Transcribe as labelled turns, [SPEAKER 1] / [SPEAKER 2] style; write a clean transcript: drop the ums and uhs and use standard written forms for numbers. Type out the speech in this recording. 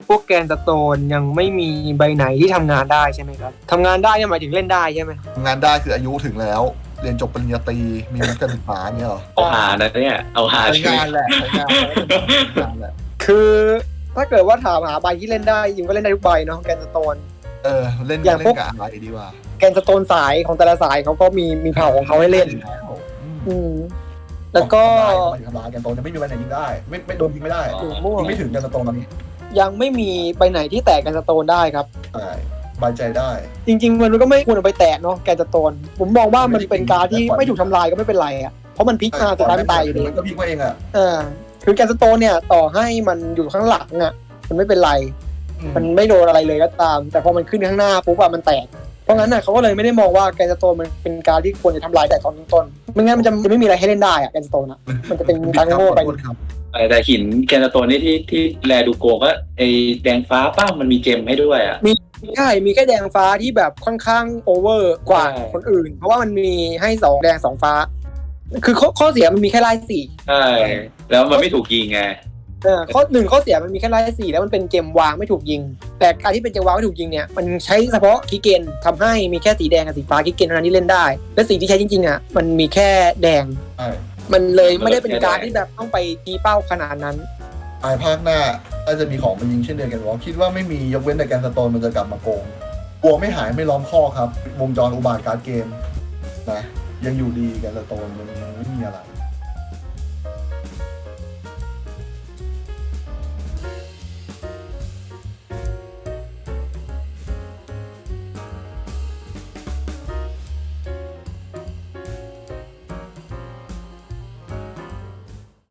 [SPEAKER 1] พวกแกนสโตนยังไม่มีใบไหนที่ทำงานได้ใช่ไหมครับทำงานได้เนี่ยหมายถึงเล่นได้ใช่ไหม
[SPEAKER 2] ทำงานได้คืออายุถึงแล้วเรียนจบปริญญาตรีมีวุฒิการศึกษาเนี่ยเหรอ
[SPEAKER 3] เอาหานะเนี่ยเอาหา
[SPEAKER 2] ใช้
[SPEAKER 3] ใช่ไหม
[SPEAKER 2] งานแหละใช้งานแหละ
[SPEAKER 1] คือถ้าเกิดว่าถามหาใบที่เล่นได้จริงก็เล่นได้ทุกใบเนาะแกนสโตน
[SPEAKER 2] เล่น
[SPEAKER 1] อย่างพวก
[SPEAKER 2] กับอะไรดีกว่า
[SPEAKER 1] แกนสโตนสายของแต่ละสายเขาก็มีเผ่าของเขาให้เล่น แล้วก็
[SPEAKER 2] ทำลายแกนโตนจะไม่มีวันไหนยิงได้ไม่โดนยิงไม่ได้
[SPEAKER 1] หรือม่วง
[SPEAKER 2] ยิงไม่ถึงแกนโตนตอนนี้
[SPEAKER 1] ยังไม่มีใบไหนที่แตกแกนสโตนได้ครับ
[SPEAKER 2] ใช่บายใจได้
[SPEAKER 1] จริงๆมันก็ไม่ควรเอาไปแตะเนาะแกนสโตนผมมองว่ามันเป็นการที่ไม่ถูกทำลายก็ไม่เป็นไรอ่ะเพราะมันพลิกมาสุดท้ายมันตายอยู่ดี
[SPEAKER 2] มันก็พลิกมาเองอ่ะ
[SPEAKER 1] คือแกนสโตนเนี่ยต่อให้มันอยู่ข้างหลังอ่ะมันไม่เป็นไรมันไม่โดนอะไรเลยก็ตาม แต่พอมันขึ้นข้างหน้าปุ๊บอะมันแตกเพราะงั้นน่ะเขาก็เลยไม่ได้มองว่าแกนสโตนมันเป็นการที่ควรจะทำลายแต่ตอนต้นๆไม่งั้นมันจะไม่มีอะไรให้เล่นได้อะแกนสโตนอะมันจะเป็นการโง่ไป
[SPEAKER 3] แต่หินแกนสโตนนี่ที่แลดูโกก็ไอแดงฟ้าป้ามันมีเจมให้ด้วยอ่ะ
[SPEAKER 1] ใช่มีแค่แดงฟ้าที่แบบค่อนข้างโอเวอร์กว่าคนอื่นเพราะว่ามันมีให้2แดง2ฟ้าคือข้อเสียมันมีแค่ไล่สี่
[SPEAKER 3] ใช่แล้วมันไม่ถูกยิงไง
[SPEAKER 1] ข้อเสียมันมีแค่ไล่สี่แล้วมันเป็นเกมวางไม่ถูกยิงแต่การที่เป็นเกมวางไม่ถูกยิงเนี่ยมันใช้เฉพาะคีย์เกนทำให้มีแค่สีแดงกับสีฟ้าคีย์เกนเท่านั้นที่เล่นได้และสีที่ใช้จริงๆอ่ะมันมีแค่แดงมันเลยไม่ได้เป็นการที่แบบต้องไปตีเป้าขนาดนั้น
[SPEAKER 2] ภาคหน้าน่าจะมีของมายิงเช่นเดียวกันว่าคิดว่าไม่มียกเว้นแต่แกนสโตนมันจะกลับมาโกงกลัวไม่หายไม่ล้อมข้อครับวงจรอุบาทการ์ดเกมนะยังอยู่ดีแกนสโตนมันไม่มีอะไร